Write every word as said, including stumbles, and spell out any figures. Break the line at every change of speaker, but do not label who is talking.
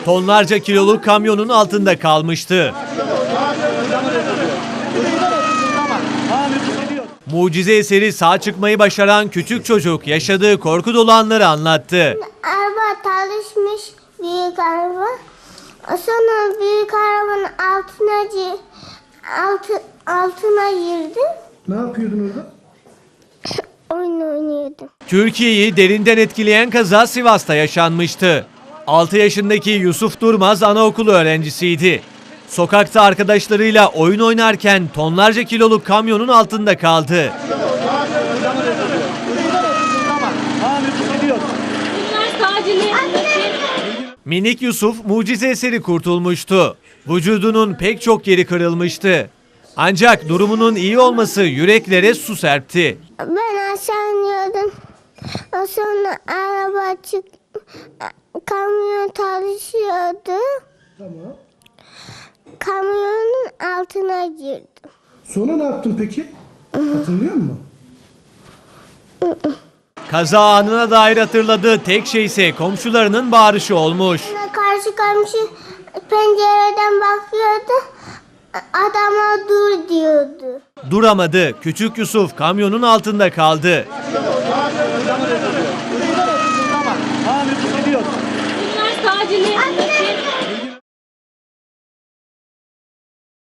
tonlarca kiloluk kamyonun altında kalmıştı. Mucize eseri sağ çıkmayı başaran küçük çocuk yaşadığı korku dolu anları anlattı.
Araba çalışmış, büyük araba. Sonra büyük arabanın altına gi- altı, altına girdim.
Ne yapıyordun orada?
Oyun oynuyordum.
Türkiye'yi derinden etkileyen kaza Sivas'ta yaşanmıştı. altı yaşındaki Yusuf Durmaz anaokulu öğrencisiydi. Sokakta arkadaşlarıyla oyun oynarken tonlarca kiloluk kamyonun altında kaldı. Minik Yusuf mucize eseri kurtulmuştu. Vücudunun pek çok yeri kırılmıştı. Ancak durumunun iyi olması yüreklere su serpti.
Ben aşağı iniyordum. Sonra araba çık, kamyon çalışıyordu.
Tamam.
Kamyonun altına girdim.
Sonra ne yaptın peki? Hatırlıyor musun?
Kaza anına dair hatırladığı tek şey ise komşularının bağırışı olmuş.
Karşı komşu pencereden bakıyordu. Adama dur diyordu.
Duramadı. Küçük Yusuf kamyonun altında kaldı.
Bunlar sadece